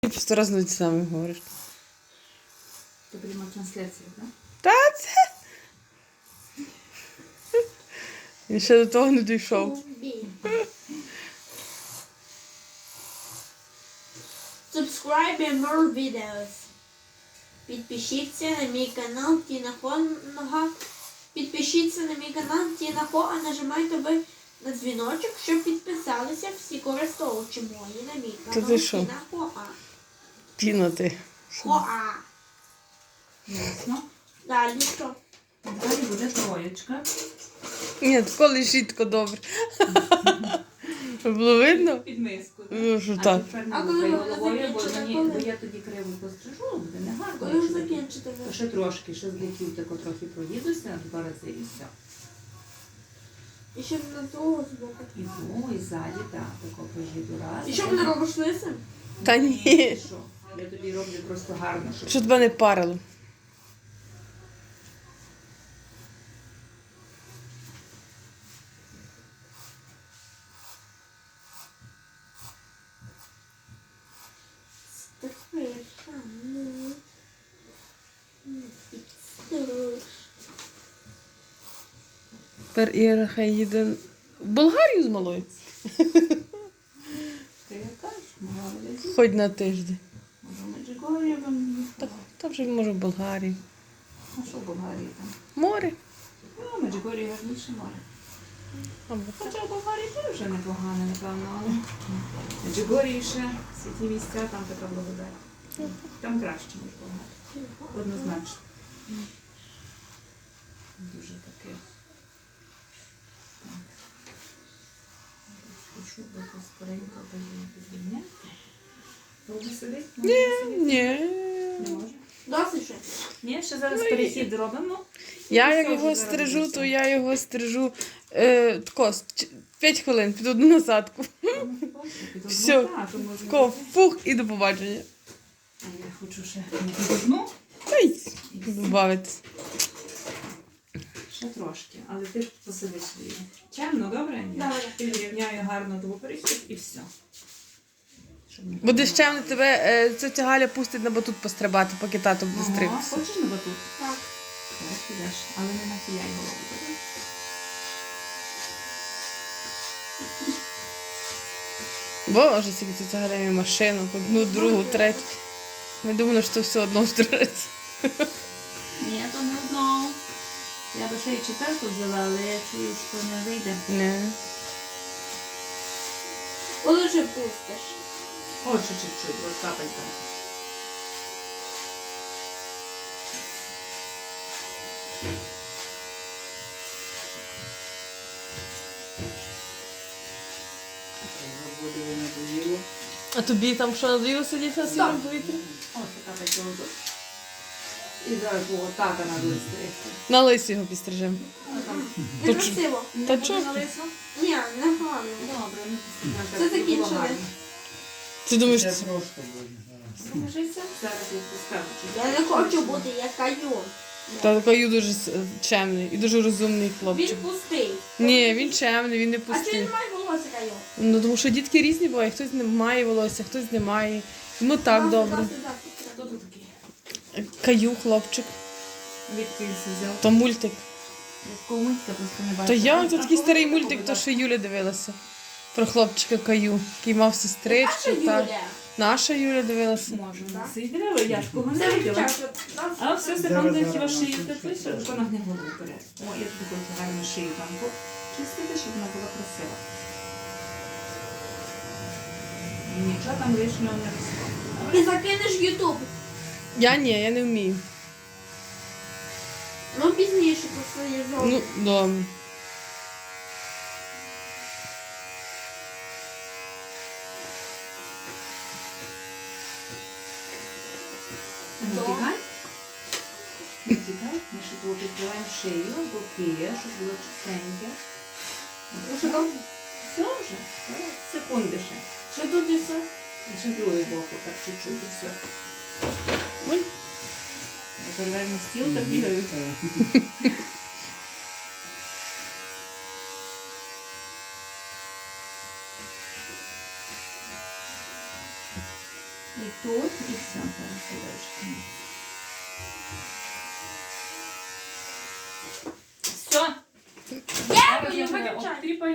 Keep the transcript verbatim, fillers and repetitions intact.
Сто раз на ті самі говориш. Ти приймав трансляцію, так? Та це. Він ще до того не дійшов. Subscribe and more videos. Підпишіться на мій канал Тіна Хонга. Підпишіться на мій канал Тіна Хо, а нажимайте ви на дзвіночок, щоб підписалися всі користувачі мої на мій Та канал ти що? Тіна Хоа. Тіна ти. Хоа. Ясно. Далі що? Далі буде троєчка. Ні, тако лежить тако добре. Було видно? Під миску. так? Ну, що А так. тепер А не коли лупай вона головою, бо закінчиться, мені- коли? бо я тоді криво пострижу, буде не гарно. Коли ж якщо таки. закінчите ви? То ще трошки, ще з боків тако трохи проїдуся, два рази і все. І ще на того з боку. І ту, і ззаді, так, тако проїду раз. І що мене робиш лисим? Та ні. Що? Я тобі роблю просто гарно, щоб... Що тебе не парило? Тепер Іра хай їде в Болгарію з малою. Ти яка ж? Молодець. Хоч на тиждень. Може, в Меджигор'ї вам Та, їхала? та вже може в Болгарії. А що в Болгарії там? Море. Ну, в Меджигор'ї гарніше море. Або Хоча в Болгарії теж вже непогано, напевно, але в Меджигор'ї ще всі ті місця, там така благодать. Там краще, ніж в Болгарії. Однозначно. Дуже таке. Так. Хочу би скоренько підняти. Довго сидить? Ні, ні. Не може? Досить ще. Ні, ще зараз Ну, і- перехід зробимо. Я Все як вже його зараз стрижу, буде то все. я його стрижу е, тако, п'ять хвилин під одну насадку. Все. Тако, фух і до побачення. А я хочу ще не під одну. Та й добавитись. Ще трошки, але ти посидиш її. Чемно, добре? Добре. Підрівняю гарно до перехід і все. Щоб не Будеш чемно, тебе е, тетя Галя пустить на батут пострибати, поки тато буде Ага, стригтися. хочеш на батут? Так. Зараз підеш, але не нахиляй голову. добре? Боже, скільки тетя Галя має машину, одну, другу, третю. Ми думали, що все одно стрижеться. Ні, то не одно. Я би ще й четверту взяла, але я чую, що не вийде. Не. Коли вже пустиш? О, ще чуть-чуть, ось капелька. А тобі там що надоїло сидіти на свіжому повітрі? Ось така капелька. І зараз було тата на листи. На лисі його підстрижемо. Некрасиво. Та чого? Ні, не гарно. Добре, ну Це закінчили. Ти думаєш, Це це- просто буде. Скажися, зараз я поставлю. Я не хочу бути як Каю. та такий дуже с- чемний і дуже розумний Він хлопчик. пустий. Ні, він чемний, він не А чи пустий. він має волосся Каю? Ну тому що дітки різні бувають, хтось не має волосся, хтось не має. Йому так добре. Хто тут такий? Каю, хлопчик, Відки він взяв? то мультик. Якого мультика просто не бачу. То я, це А такий коли старий такого мультик, буде? то що Юля дивилася. Про хлопчика Каю, який мав Наша сестричку. Так. Юля. Наша Юля дивилася. Може, у нас і дерева, я такого не Це виділа. вивчав. А все Зараз, Степан зараз, хіба шию зараз, ти зараз. що вона не голову бере. О, я тобі хочу гарно шию там чистити, щоб вона була красива. І нічого там лишнього не росло. І закинеш в Ютуб. Я ні, я не вмію. Ну пізніше просто є зовсім. Ну, добре. Не тікай. Не тікай. Ми ще тут відкриваємо шию, боки, щоб було чистеньке. Що там? Все вже. Зараз, секунди ще. Що тут і все? І ще другий боку, так чуть-чуть і все. Ой. Я переверну стіл та бігаю. І ту тут і все. Зараз я дальше. Все. Дякую, Зараз я виключай. обтріпаю.